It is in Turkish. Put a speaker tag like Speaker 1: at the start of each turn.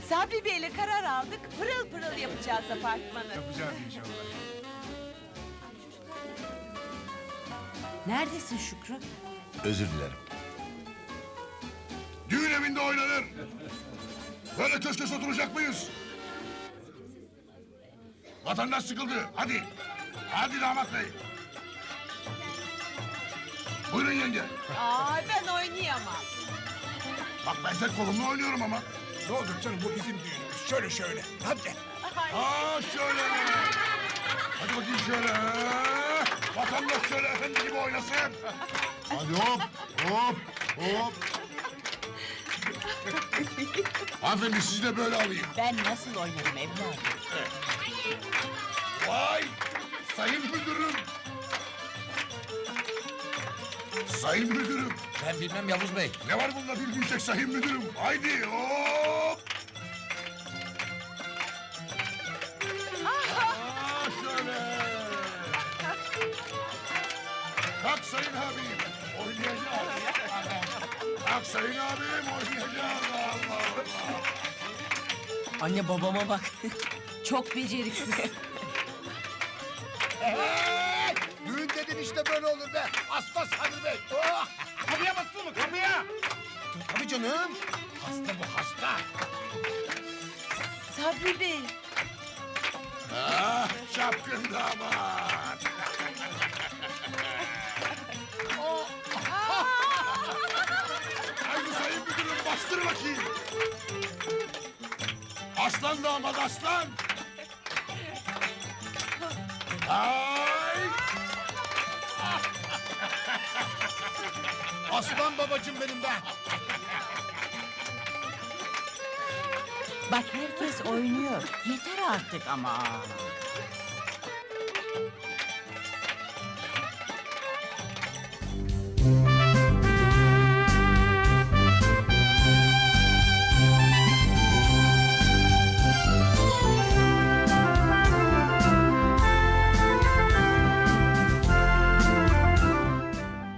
Speaker 1: Sabri Bey'le karar aldık. Pırıl pırıl yapacağız apartmanı.
Speaker 2: Yapacağız inşallah.
Speaker 1: Neredesin Şükrü?
Speaker 3: Özür dilerim.
Speaker 4: Düğün evinde oynanır. Böyle köşke oturacak mıyız? Vatandaş sıkıldı. Hadi. Hadi damat bey. Buyurun yenge.
Speaker 1: Aa, ben oynayamam.
Speaker 4: Bak ben tek kolumla oynuyorum ama.
Speaker 2: Ne olur canım, bu bizim düğünümüz. Şöyle şöyle. Hadi.
Speaker 4: Aa şöyle. Hadi bakayım şöyle. Vatandaş şöyle efendi gibi oynasın. Hadi hop hop hop. Hanımefendi sizi de böyle alayım.
Speaker 1: Ben nasıl oynarım evladım?
Speaker 4: Vay! Sayın müdürüm! Sayın müdürüm!
Speaker 3: Ben bilmem Yavuz Bey.
Speaker 4: Ne var bunda bilmeyecek sayın müdürüm? Haydi hop! Aa, şöyle! Kalk sayın abim! Oynayacağız! Kalk sayın abim! Oynayacağız! Allah Allah!
Speaker 1: Anne babama bak. Çok beceriksiz.
Speaker 2: Düğün dedin işte böyle olur be. Asla Sabri Bey. Oh!
Speaker 4: Kapıya bastın mı kapıya?
Speaker 2: Tabii canım. Hasta bu hasta.
Speaker 1: Sabri Bey.
Speaker 4: Ah çapkın damat! Haydi sayın müdürüm bastır bakayım! Aslan damat aslan! Ay!
Speaker 2: Aslan babacığım benim be.
Speaker 1: Bak herkes oynuyor. Yeter artık ama.